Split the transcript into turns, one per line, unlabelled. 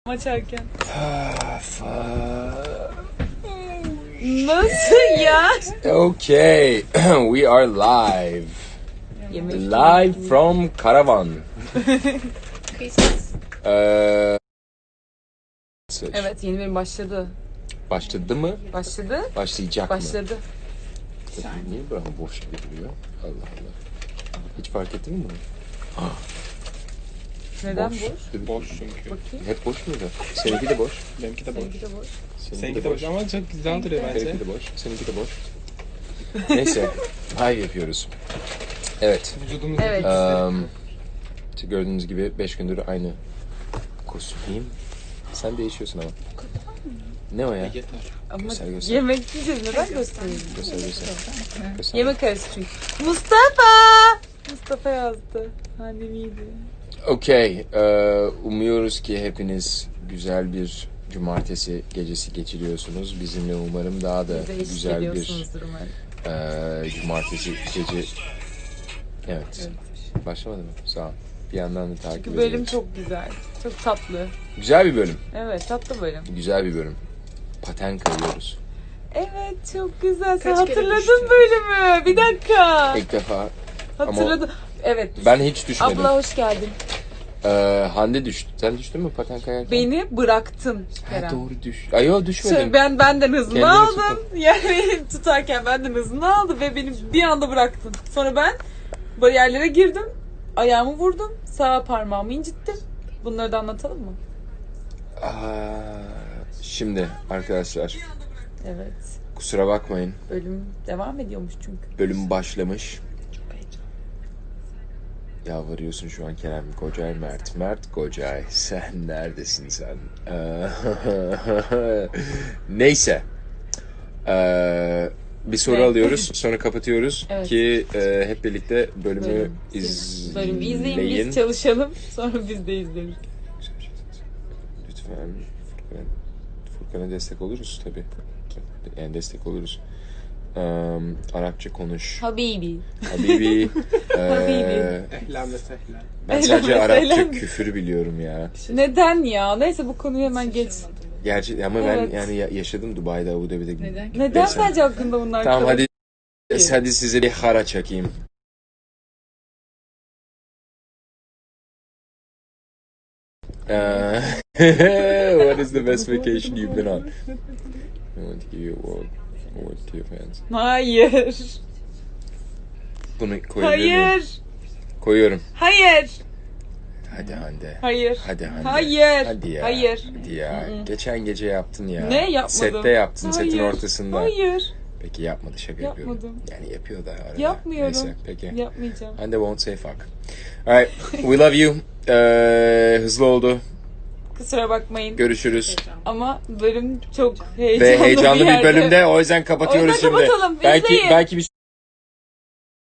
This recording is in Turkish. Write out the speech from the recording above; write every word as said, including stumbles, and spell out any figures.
Açarken.
Fuck.
Nasıl ya?
Okay, we are live.
Yemek
Live from Karavan. Ee,
Evet, yeni bölüm başladı.
başladı mı?
Başladı.
Başlayacak mı?
Başladı.
Niye böyle boş gibi duruyor? Allah Allah. Hiç fark ettin mi bunu?
Neden
boş?
boş?
Boş çünkü.
Bakayım.
Hep boş muydu? Seninki de boş.
Benimki de boş.
Seninki de boş.
Seninki de boş ama çok güzel duruyor bence.
Benimki de boş. Seninki de boş. Neyse. Live yapıyoruz. Evet.
Vücudumuz
Evet.
Um, işte gördüğünüz gibi beş gündür aynı kostümdeyim. Sen değişiyorsun ama. Ne o ya?
yeter.
Ama
Göster, göster.
yemek yiyeceğiz. Neden göstereyim?
Göster göster. Göster.
Yemek arası çünkü. Mustafa! Mustafa yazdı. Annem iyiydi.
Okey. Ee, umuyoruz ki hepiniz güzel bir cumartesi gecesi geçiriyorsunuz. Bizimle umarım daha da
Bize eşlik
güzel bir
ediyorsunuzdur umarım.
e, cumartesi gece... Evet.
Evet.
Başlamadı mı? Sağ ol. Bir yandan da takip
Bu bölüm
ediyoruz.
çok güzel. Çok tatlı.
Güzel bir bölüm.
Evet, tatlı bölüm.
Güzel bir bölüm. Paten kayıyoruz.
Evet, çok güzel. Sen
Kaç kere
hatırladın
düştün?
bölümü. Bir dakika.
İlk defa.
Hatırladım. Evet.
Ben hiç düşmedim.
Abla hoş geldin.
Ee, Hande düştü. Sen düştün mü paten kayarken?
Beni bıraktın
Ha,
Kerem.
doğru düş. Ay yok düşmedim.
Şöyle ben benden hızını
Kendini
aldım. Yani tutarken benden hızını aldı ve beni bir anda bıraktın. Sonra ben bariyerlere girdim. Ayağımı vurdum. Sağ parmağımı incittim. Bunları da anlatalım mı?
Aa, şimdi arkadaşlar
Evet.
kusura bakmayın.
Bölüm devam ediyormuş çünkü.
Bölüm başlamış. Yalvarıyorsun şu an Kerem Kocay Mert. Mert Kocay sen neredesin sen? Ee, Neyse. Ee, bir soru
Ne?
alıyoruz sonra kapatıyoruz
Evet.
ki e, hep birlikte bölümü
Bölüm.
izleyin.
Bölümü izleyin, biz çalışalım. Sonra biz de izleriz.
Lütfen Furkan, Furkan'a destek oluruz tabii. Yani destek oluruz. Um, Arapça konuş.
Habibi.
Habibi.
Habibi.
eee,
Ehlen ve sehlen.
ben sadece
Ehlen ve
Arapça
sehlen.
küfür biliyorum ya.
Neden ya? Neyse bu konuyu hemen geç.
Gerçi ama
Evet.
ben yani ya- yaşadım Dubai'de, Abu Dhabi'de.
Neden?
Neden
Neyse.
sadece hakkında bunlar
Tamam
kalır?
hadi hadi size bir hara çakayım. Uh, what is the best vacation you've been on? I want to give you a award, award to your fans.
Hayır.
Bunu koyabilir miyim?
Hayır.
Koyuyorum.
Hayır.
Hadi Hande.
Hayır.
Hadi Hande.
Hayır.
Hadi ya.
Hayır.
Hadi ya. Geçen gece yaptın ya.
Ne yapmadım?
Sette yaptın. Setin
Hayır.
ortasında.
Hayır.
Peki yapmadı, şaka yapıyorum.
Yapmadım.
Yani yapıyor da arada.
Yapmıyorum.
Neyse peki.
Yapmayacağım.
Hande won't say fuck. Alright. We love you. Ee, hızlı oldu.
Kusura bakmayın.
Görüşürüz.
Ama bölüm çok heyecanlı,
Ve heyecanlı
bir,
bir
yerde.
bölümde o yüzden kapatıyoruz
O yüzden
şimdi.
kapatalım.
Belki
İzleyin.
belki bir